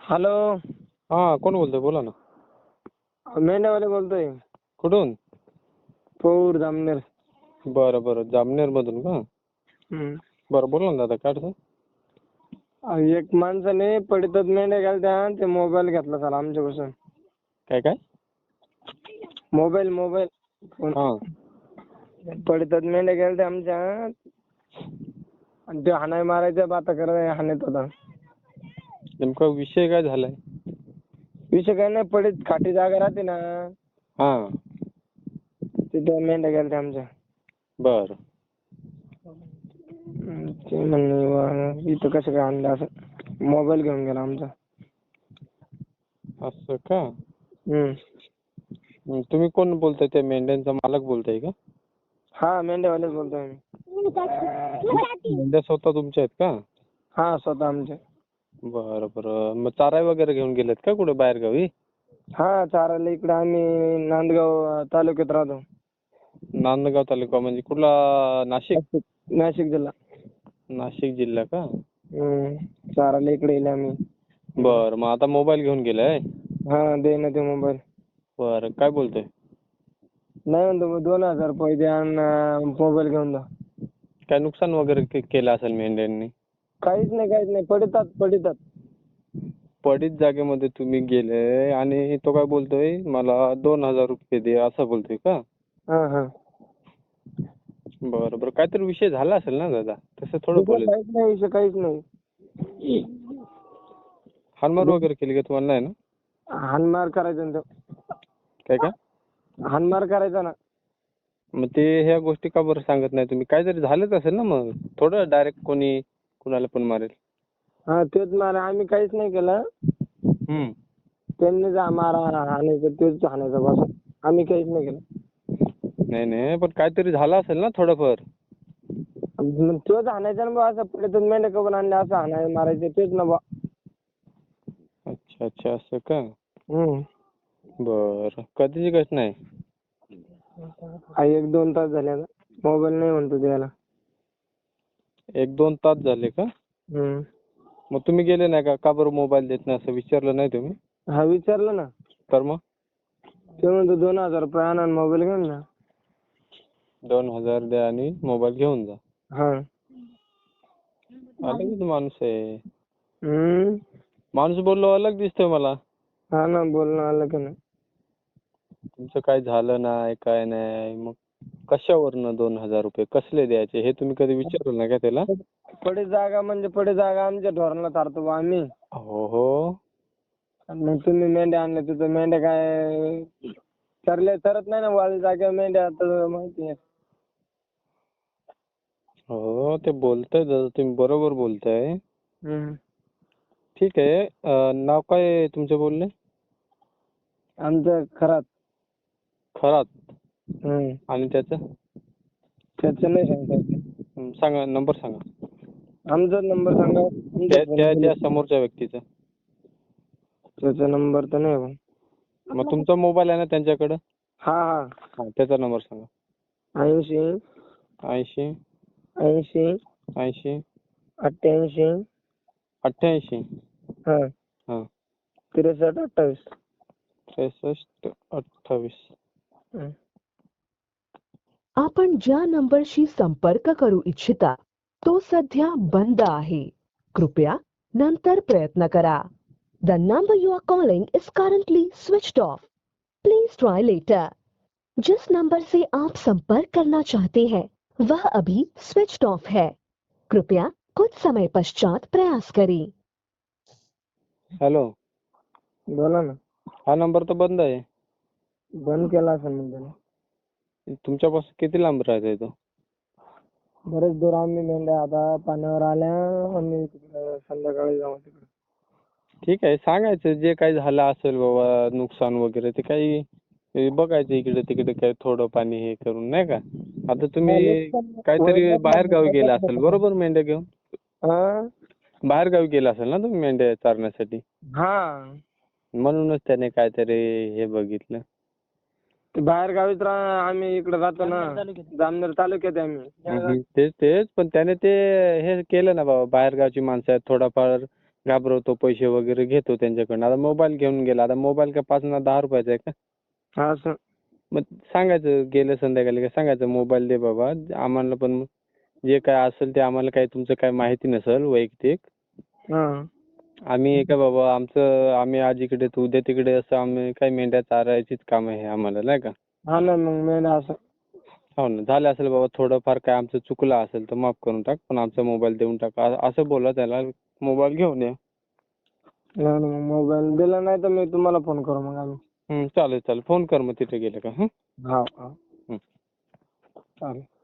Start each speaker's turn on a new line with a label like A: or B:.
A: Hello.
B: हा, कोण बोलतोय? बोला ना.
A: मेंढ्यावाले बोलतोय.
B: कुठून?
A: पौर जामनेर.
B: बरं बरं, जामनेर मधून का?
A: हम्म.
B: बरं, बोला ना दादा, काय अडचण?
A: एक माणसाने पडीतात मेंढ्या गेलत्या आणि ते मोबाईल घेतला सर आमच्यापासून.
B: काय काय?
A: मोबाईल
B: हा.
A: पडीतात मेंढ्या गेलत्या आमच्या आणि ते हाणाय मारायच्या बाता करायला हाणत होता.
B: नेमका विषय काय झालाय?
A: विषय काय नाही, पडीत खाटी जागा राहते ना,
B: हा.
A: तिथे मेंढ्या गेलत्या आमच्या.
B: बरं.
A: ते म्हणले इथं कसं काय आणलं असं, मोबाईल घेऊन गेला आमचा.
B: असं का?
A: हम्म.
B: तुम्ही कोण बोलताय? त्या मेंढ्यांचा मालक बोलताय का?
A: हा, मेंढ्यावालेच बोलतोय मी.
B: मेंढ्या स्वतः तुमच्या आहेत का?
A: हा, स्वतः आमच्या.
B: बरं बरं, मग चारा वगैरे घेऊन गेलेत का कुठे बाहेर गावी?
A: हा, चारायला इकडे आम्ही नांदगाव तालुक्यात राहतो.
B: नांदगाव तालुका म्हणजे कुठला? नाशिक?
A: नाशिक जिल्हा.
B: नाशिक जिल्हा का?
A: चारायला इकडे येईल आम्ही.
B: बरं, मग आता मोबाईल घेऊन गेलाय?
A: हा, दे ना ते मोबाईल.
B: बरं, काय बोलतोय?
A: नाही म्हणतो, मग 2,000 रुपये द्या आणि मोबाईल घेऊन जा.
B: काय नुकसान वगैरे केलं असेल मेंढ्यांनी?
A: काहीच नाही, पडितात.
B: पडीत जागेमध्ये तुम्ही गेले आणि तो काय बोलतोय, मला 2,000 रुपये दे, असं बोलतोय का?
A: हा.
B: बरं बरं, काहीतरी विषय झाला असेल ना दादा, तसं थोडं बोलायचं.
A: काहीच नाही.
B: हाणमार वगैरे केली का तुम्हाला? नाही ना?
A: हाणमार करायचा ना तो.
B: काय?
A: हाणमार करायचा ना.
B: मग ते ह्या गोष्टी का बरं सांगत नाही तुम्ही? काहीतरी झालंच असेल ना, मग थोडं डायरेक्ट कोणी कुणाला पण मारेल.
A: हा, तेच मारा, आम्ही काहीच नाही केलं. त्यांनीच मारा हाणायचं, तेच हाणायचं बस. आम्ही काहीच नाही केलं.
B: नाही, पण काहीतरी झालं असेल ना थोडंफार.
A: मग तोच हाणायचा ना बा, असं पडीतात मेंढ्या करून आणल्या असं हाणायला मारायचं तेच ना बा.
B: अच्छा, असं का? बरं, कधीची घटना आहे?
A: 1-2 तास झाले आता. मोबाईल नाही म्हणतो द्यायला.
B: 1-2 तास झाले का? मग तुम्ही गेले नाही का? का बरं मोबाईल देत नाही असं विचारलं नाही तुम्ही?
A: हा, विचारलं ना.
B: तर मग? ते
A: म्हणतो 2,000 रुपये आणा आणि मोबाईल घेऊन जा.
B: 2,000 द्या आणि मोबाईल घेऊन जा.
A: हा.
B: अलगच माणूस आहे.
A: माणूस
B: बोललो अलग दिसतोय मला.
A: हा ना, बोलणं आलं का नाही.
B: तुमचं काय झालं नाही, काय नाही, मग कशावरनं 2,000 रुपये कसले द्यायचे हे तुम्ही कधी विचारलं नाही का त्याला?
A: पडी जागा म्हणजे पडी जागा आमच्या ढोरांना चारतो बा आम्ही.
B: हो.
A: मग तुम्ही मेंढ्या आणल्या तिथं मेंढ्या काय चरत नाही ना वाळी जागेवर मेंढ्या, आता माहिती आहे.
B: हो, ते बोलताय दादा, तुम्ही बरोबर बोलताय. ठीक आहे. नाव काय आहे तुमचं बोलले?
A: आमचं खरात.
B: आणि त्याचं?
A: त्याचं नाही सांगता येत.
B: सांगा, नंबर सांगा.
A: आमचा नंबर सांगा.
B: त्या समोरच्या व्यक्तीचा.
A: त्याचा नंबर तर नाही बा.
B: मग तुमचा मोबाईल आहे ना त्यांच्याकडं?
A: हा.
B: त्याचा नंबर सांगा.
A: 80
B: 80
A: 80
B: 80
A: 88
B: 88
A: हा 63 28.
B: 63 28.
C: आपण ज्या नंबरशी संपर्क करू इच्छिता तो सध्या बंद आहे. कृपया नंतर प्रयत्न करा. The number you are calling is currently switched off. Please try later. जिस नंबर से आप संपर्क करना चाहते हैं वह अभी स्विच्ड ऑफ है. कृपया कुछ समय पश्चात प्रयास करें.
B: हॅलो,
A: बोला ना.
B: हा नंबर तर बंद आहे.
A: बंद केला असेल मग त्याने.
B: तुमच्यापासून किती लांब राहते तो?
A: बरेच दूर आम्ही मेंढ्या आता पाण्यावर आल्या, आम्ही तिकडे संध्याकाळी जाऊ तिकडे.
B: ठीक आहे, सांगायचं जे काही झालं असेल बाबा नुकसान वगैरे ते काही बघायचं इकडे तिकडे काही थोडं पाणी हे करून, नाही का? आता तुम्ही काहीतरी बाहेर गावी गेला असेल बरोबर मेंढ्या घेऊन? बाहेर गावी गेला असेल ना तुम्ही मेंढ्या चारण्यासाठी?
A: हा.
B: म्हणूनच त्याने काहीतरी हे बघितलं.
A: बाहेर गावीच आम्ही इकडे राहतो ना, जामनेर तालुक्यात आम्ही.
B: तेच पण त्याने ते हे केलं ना बाबा, बाहेर गावची माणसं आहेत, थोडाफार घाबरवतो, पैसे वगैरे घेतो त्यांच्याकडनं. आता मोबाईल घेऊन गेला, आता मोबाईल काय 5 ना 10 रुपयाचा आहे का?
A: हा सर.
B: मग सांगायचं गेलं संध्याकाळी का सांगायचं मोबाईल दे बाबा, आम्हाला पण जे काय असेल ते आम्हाला काही तुमचं काय माहिती नसेल वैयक्तिक.
A: हा.
B: आम्ही काय बाबा आम्ही आज इकडे तर उद्या तिकडे असं आम्ही काय मेंढ्या चारायचीच काम आहे आम्हाला नाही का.
A: हा ना मग मेंढ्या असं.
B: हो ना, झालं असेल बाबा थोडंफार काय आमचं चुकलं असेल तर माफ करून टाक, पण आमचा मोबाईल देऊन टाक असं बोला त्याला. मोबाईल घेऊन या.
A: नाही ना, मग मोबाईल दिला नाही तर मी तुम्हाला फोन करू मग आम्ही.
B: चालेल चालेल, फोन कर मग तिथे गेलं का.
A: हा हा. चालेल.